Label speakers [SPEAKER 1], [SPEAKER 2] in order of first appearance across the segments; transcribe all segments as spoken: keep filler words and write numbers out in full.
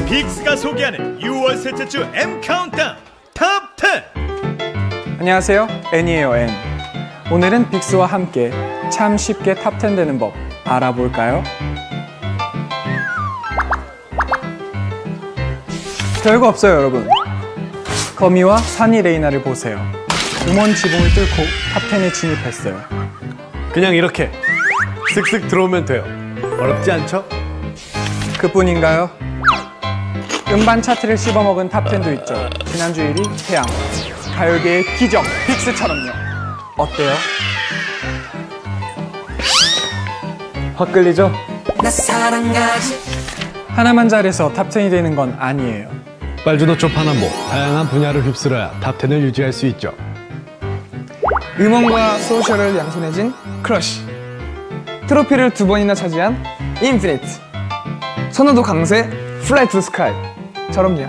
[SPEAKER 1] 빅스가 소개하는 유월 셋째 주 M 카운트다운 탑 텐.
[SPEAKER 2] 안녕하세요, N이에요, N. 오늘은 빅스와 함께 참 쉽게 탑 텐 되는 법 알아볼까요? 별거 없어요, 여러분. 거미와 산이 레이나를 보세요. 음원 지붕을 뚫고 탑 텐에 진입했어요.
[SPEAKER 3] 그냥 이렇게 쓱쓱 들어오면 돼요. 어렵지 않죠?
[SPEAKER 2] 그뿐인가요? 음반 차트를 씹어먹은 탑 텐도 있죠. 지난주 일 위 태양, 가요계의 기적 빅스처럼요. 어때요?
[SPEAKER 3] 확 끌리죠?
[SPEAKER 2] 하나만 잘해서 탑 텐이 되는 건 아니에요.
[SPEAKER 3] 빨주노초 파남보, 다양한 분야를 휩쓸어야 탑 텐을 유지할 수 있죠.
[SPEAKER 4] 음원과 소셜을 양손에 쥔 크러쉬, 트로피를 두 번이나 차지한 인피니트, 선호도 강세 플라이 투 스카이처럼요.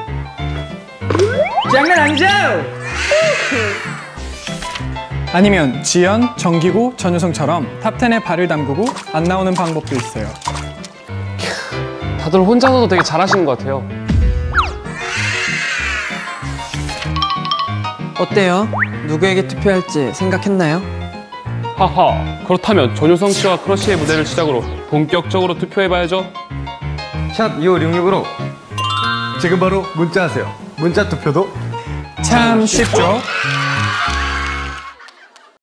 [SPEAKER 4] 장난 아니죠?
[SPEAKER 2] 아니면 지연, 정기고, 전효성처럼 탑 텐에 발을 담그고 안 나오는 방법도 있어요.
[SPEAKER 5] 다들 혼자서도 되게 잘하시는 것 같아요.
[SPEAKER 6] 어때요? 누구에게 투표할지 생각했나요?
[SPEAKER 5] 하하, 그렇다면 전효성 씨와 크러쉬의 무대를 시작으로 본격적으로 투표해봐야죠.
[SPEAKER 3] 샵 이오육육으로 지금 바로 문자하세요. 문자 투표도
[SPEAKER 2] 참 쉽죠?